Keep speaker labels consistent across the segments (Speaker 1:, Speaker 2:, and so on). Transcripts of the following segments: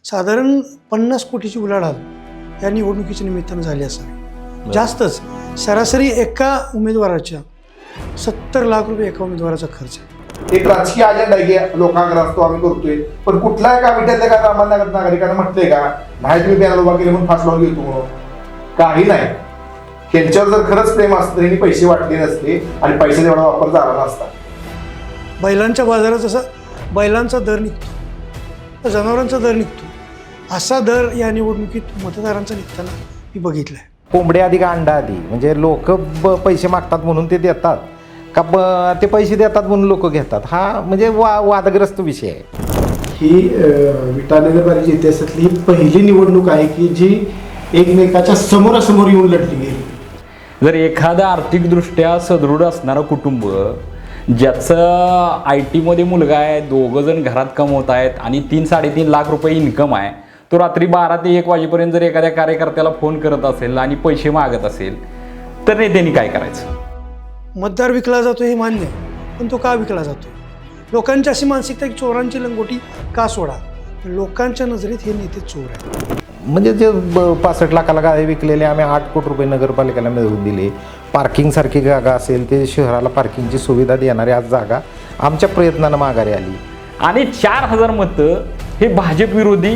Speaker 1: साधारण 50 कोटीची उलाढाल या निवडणुकीच्या निमित्तानं झाली असावी, जास्तच. सरासरी एका उमेदवाराच्या 70 लाख रुपये एका उमेदवाराचा खर्च आहे.
Speaker 2: एक राजकीय अजेंडा आहे की लोकांकडे असतो, आम्ही करतोय, पण कुठल्या एका विट्यातल्या का सामान्य नागरिकांना म्हटलंय का नाही तुम्ही बॅनर उभा केले म्हणून फास लावून घेतो म्हणून? काही नाही. त्यांच्यावर जर खरंच प्रेम असतं त्यांनी पैसे वाटले नसते आणि पैशाचा एवढा वापर झाला नसता.
Speaker 1: बैलांच्या बाजारात जसा बैलांचा दर निघतो, तर जनावरांचा दर निघतो, असा दर या निवडणुकीत मतदारांचा निघताना मी बघितला आहे.
Speaker 3: कोंबडी आधी का अंडा आधी? म्हणजे लोक पैसे मागतात म्हणून ते देतात का ते पैसे देतात म्हणून लोक घेतात? हा म्हणजे वादग्रस्त विषय आहे.
Speaker 4: ही विटा नगरपालिकेच्या इतिहासातली पहिली निवडणूक आहे की जी एकमेकाच्या समोरासमोर येऊन लढली गेली.
Speaker 5: जर एखादं आर्थिकदृष्ट्या सदृढ असणारं कुटुंब ज्याचं IT मध्ये मुलगा आहे, 2 जण घरात कमवत आहेत आणि 3-3.5 लाख रुपये इन्कम आहे, तो रात्री 12 ते 1 वाजेपर्यंत जर एखाद्या कार्यकर्त्याला फोन करत असेल आणि पैसे मागत असेल तर नेत्यांनी काय करायचं?
Speaker 1: मतदार विकला जातो हे मान्य आहे, पण तो का विकला जातो? लोकांची अशी मानसिकता की चोरांची लंगोटी का सोडा? लोकांच्या नजरेत हे नेते चोर आहेत.
Speaker 3: म्हणजे जे 65 लाखाला गाडी विकलेले आम्ही 8 कोटी रुपये नगरपालिकेला मिळवून दिले. पार्किंगसारखी जागा असेल ते शहराला पार्किंगची सुविधा देणारी आज जागा आमच्या प्रयत्नानं माघारी आली.
Speaker 5: आणि 4000 मतं हे भाजप विरोधी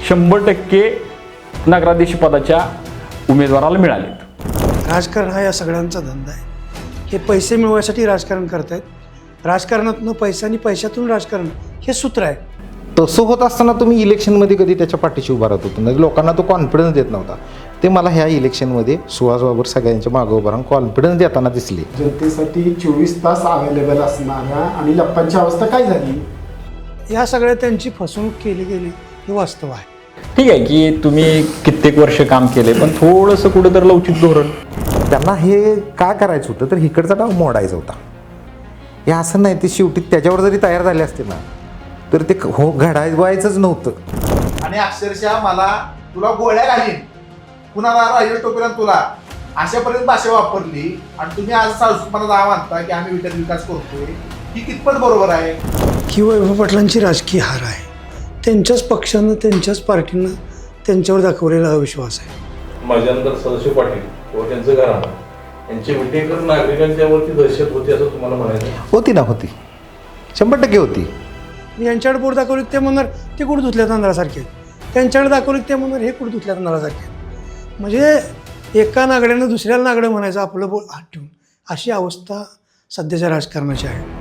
Speaker 5: 100% नगराध्यक्ष पदाच्या उमेदवाराला मिळालेत.
Speaker 1: राजकारण हा या सगळ्यांचा धंदा आहे. हे पैसे मिळवण्यासाठी राजकारण करतायत. राजकारणातून पैसा आणि पैशातून राजकारण हे सूत्र आहे.
Speaker 3: तसं होत असताना तुम्ही इलेक्शनमध्ये कधी त्याच्या पाठीशी उभा राहत होतो? लोकांना तो कॉन्फिडन्स देत नव्हता. ते मला ह्या इलेक्शनमध्ये सुहास बाबर सगळ्यांच्या मागं उभं राहून कॉन्फिडन्स देताना दिसले.
Speaker 4: जनतेसाठी 24 तास अवेलेबल असणाऱ्या आणि लप्पांची अवस्था काय झाली?
Speaker 1: या सगळ्या त्यांची फसवणूक केली गेली हे वास्तव आहे.
Speaker 5: ठीक आहे की तुम्ही कित्येक वर्ष काम केले, पण थोडंसं कुठं तर लवचिक धोरण.
Speaker 3: त्यांना हे का करायचं होतं तर इकडचा डाव मोडायचा होता. हे असं नाही, ते शेवटी त्याच्यावर जरी तयार झाले असते ना तर ते घडायचंच नव्हतं.
Speaker 2: आणि अक्षरशः मला तुला गोळ्या घालीन, कुणाला राहील टोपेला तुला, अशापर्यंत भाषा वापरली. आणि तुम्ही आज सासूपणा दावा मानता की आम्ही विटाचा विकास करतोय, ही कितपत बरोबर आहे?
Speaker 1: ही वैभव पाटलांची राजकीय हार आहे. त्यांच्याच पक्षानं, त्यांच्याच पार्टीनं त्यांच्यावर दाखवलेला अविश्वास आहे.
Speaker 6: माझ्यानंतर सदाशिव पाटील व त्यांचं घराणं यांची विटेकर नागरिकांच्यावरती दहशत होती असं तुम्हाला म्हणायचं?
Speaker 3: होती ना, होती, 100% होती.
Speaker 1: यांच्याकडे बोट दाखवली ते म्हणणार ते कुठं धुतल्या तांदळासारखे आहेत, त्यांच्याकडे दाखवली ते म्हणणार हे कुठं धुतल्या तांदळासारखे आहेत. म्हणजे एका नागड्यानं दुसऱ्याला नागडं म्हणायचं आपलं बोट हात ठेवून, अशी अवस्था सध्याच्या राजकारणाची आहे.